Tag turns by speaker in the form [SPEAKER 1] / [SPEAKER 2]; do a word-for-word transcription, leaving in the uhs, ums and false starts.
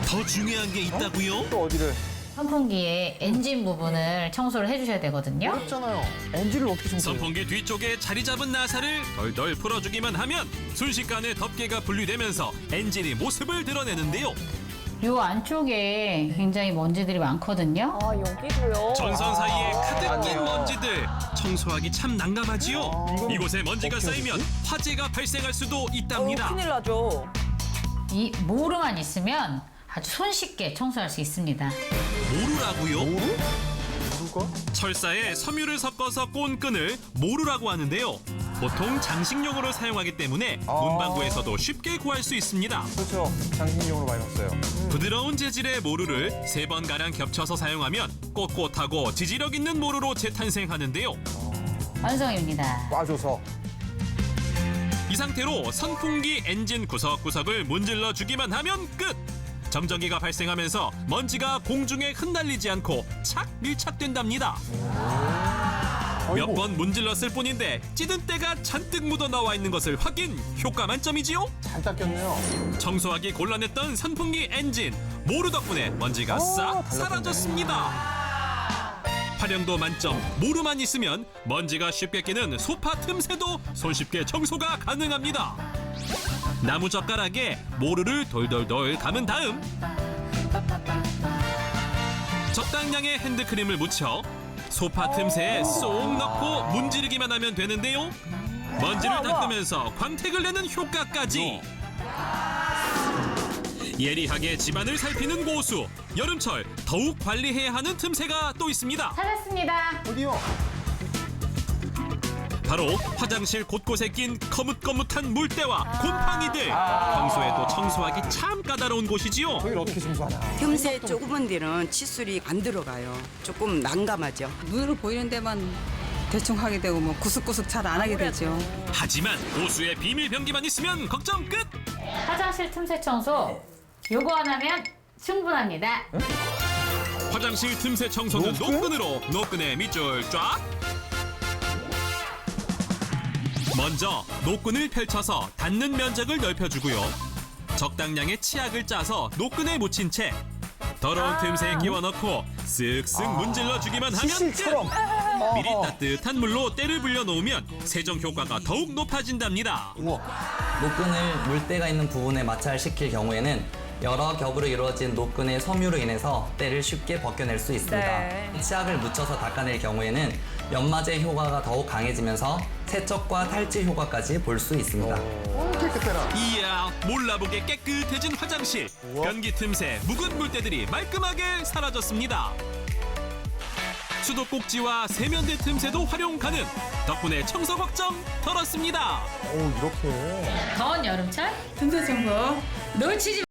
[SPEAKER 1] 더 중요한 게 있다고요?
[SPEAKER 2] 또 어디를?
[SPEAKER 3] 선풍기의 엔진 부분을 청소를 해주셔야 되거든요.
[SPEAKER 2] 어렵잖아요. 엔진을 어떻게 청소해요?
[SPEAKER 1] 선풍기 뒤쪽에 자리 잡은 나사를 덜덜 풀어주기만 하면 순식간에 덮개가 분리되면서 엔진이 모습을 드러내는데요.
[SPEAKER 3] 요 안쪽에 굉장히 먼지들이 많거든요.
[SPEAKER 4] 아, 여기도요?
[SPEAKER 1] 전선 사이에 가득 낀
[SPEAKER 2] 맞네요.
[SPEAKER 1] 먼지들 청소하기 참 난감하지요.
[SPEAKER 2] 아,
[SPEAKER 1] 이곳에 먼지가
[SPEAKER 2] 어떻게
[SPEAKER 1] 쌓이면 화재가 발생할 수도
[SPEAKER 4] 어,
[SPEAKER 1] 있답니다.
[SPEAKER 4] 큰일 나죠.
[SPEAKER 3] 이 모루만 있으면 아주 손쉽게 청소할 수 있습니다.
[SPEAKER 1] 모루라고요?
[SPEAKER 2] 모루? 모루가?
[SPEAKER 1] 철사에 섬유를 섞어서 꼰 끈을 모루라고 하는데요. 보통 장식용으로 사용하기 때문에
[SPEAKER 2] 아.
[SPEAKER 1] 문방구에서도 쉽게 구할 수 있습니다.
[SPEAKER 2] 그렇죠. 장식용으로 많이 썼어요.
[SPEAKER 1] 부드러운 재질의 모루를 세 번 가량 겹쳐서 사용하면 꼿꼿하고 지지력 있는 모루로 재탄생하는데요.
[SPEAKER 3] 완성입니다.
[SPEAKER 2] 꽈줘서.
[SPEAKER 1] 이 상태로 선풍기 엔진 구석구석을 문질러 주기만 하면 끝! 정전기가 발생하면서 먼지가 공중에 흩날리지 않고 착 밀착된답니다. 몇 번 문질렀을 뿐인데 찌든 때가 잔뜩 묻어 나와 있는 것을 확인! 효과 만점이지요?
[SPEAKER 2] 잘 닦였네요.
[SPEAKER 1] 청소하기 곤란했던 선풍기 엔진 모루 덕분에 먼지가 싹
[SPEAKER 2] 달라졌네.
[SPEAKER 1] 사라졌습니다. 활용도 만점 모루만 있으면 먼지가 쉽게 끼는 소파 틈새도 손쉽게 청소가 가능합니다. 나무 젓가락에 모루를 돌돌돌 감은 다음 적당량의 핸드크림을 묻혀 소파 틈새에 쏙 넣고 문지르기만 하면 되는데요. 먼지를 닦으면서 광택을 내는 효과까지. 예리하게 집안을 살피는 고수. 여름철 더욱 관리해야 하는 틈새가 또 있습니다.
[SPEAKER 3] 찾았습니다.
[SPEAKER 2] 어디요?
[SPEAKER 1] 바로 화장실 곳곳에 낀 거뭇거뭇한 물때와 곰팡이들. 평소에도 청소하기 참 까다로운 곳이지요.
[SPEAKER 2] 저희를 어떻게 청소하나?
[SPEAKER 5] 틈새 조그만 데는 칫솔이 안 들어가요. 조금 난감하죠.
[SPEAKER 6] 눈으로 보이는 데만 대충 하게 되고 뭐 구석구석 잘 안 하게 되죠.
[SPEAKER 1] 하지만 고수의 비밀 병기만 있으면 걱정 끝.
[SPEAKER 3] 화장실 틈새 청소 요거 하나면 충분합니다.
[SPEAKER 1] 화장실 틈새 청소는
[SPEAKER 2] 노끈?
[SPEAKER 1] 노끈으로 노끈의 밑줄 쫙. 먼저 노끈을 펼쳐서 닿는 면적을 넓혀주고요. 적당량의 치약을 짜서 노끈에 묻힌 채 더러운 틈새에 끼워 넣고 쓱쓱 문질러 주기만 하면 끝!
[SPEAKER 2] 시실처럼.
[SPEAKER 1] 미리 따뜻한 물로 때를 불려 놓으면 세정 효과가 더욱 높아진답니다.
[SPEAKER 7] 노끈을 물때가 있는 부분에 마찰시킬 경우에는 여러 겹으로 이루어진 노끈의 섬유로 인해서 때를 쉽게 벗겨낼 수 있습니다.
[SPEAKER 4] 네.
[SPEAKER 7] 치약을 묻혀서 닦아낼 경우에는 연마제 효과가 더욱 강해지면서 세척과 탈지 효과까지 볼 수 있습니다.
[SPEAKER 2] 오, 깨끗해라.
[SPEAKER 1] 이야, 몰라보게 깨끗해진 화장실. 변기 틈새 묵은 물때들이 말끔하게 사라졌습니다. 수도꼭지와 세면대 틈새도 활용 가능. 덕분에 청소 걱정 덜었습니다.
[SPEAKER 2] 오, 이렇게.
[SPEAKER 3] 더운 여름철
[SPEAKER 6] 틈새 청소
[SPEAKER 3] 놓치지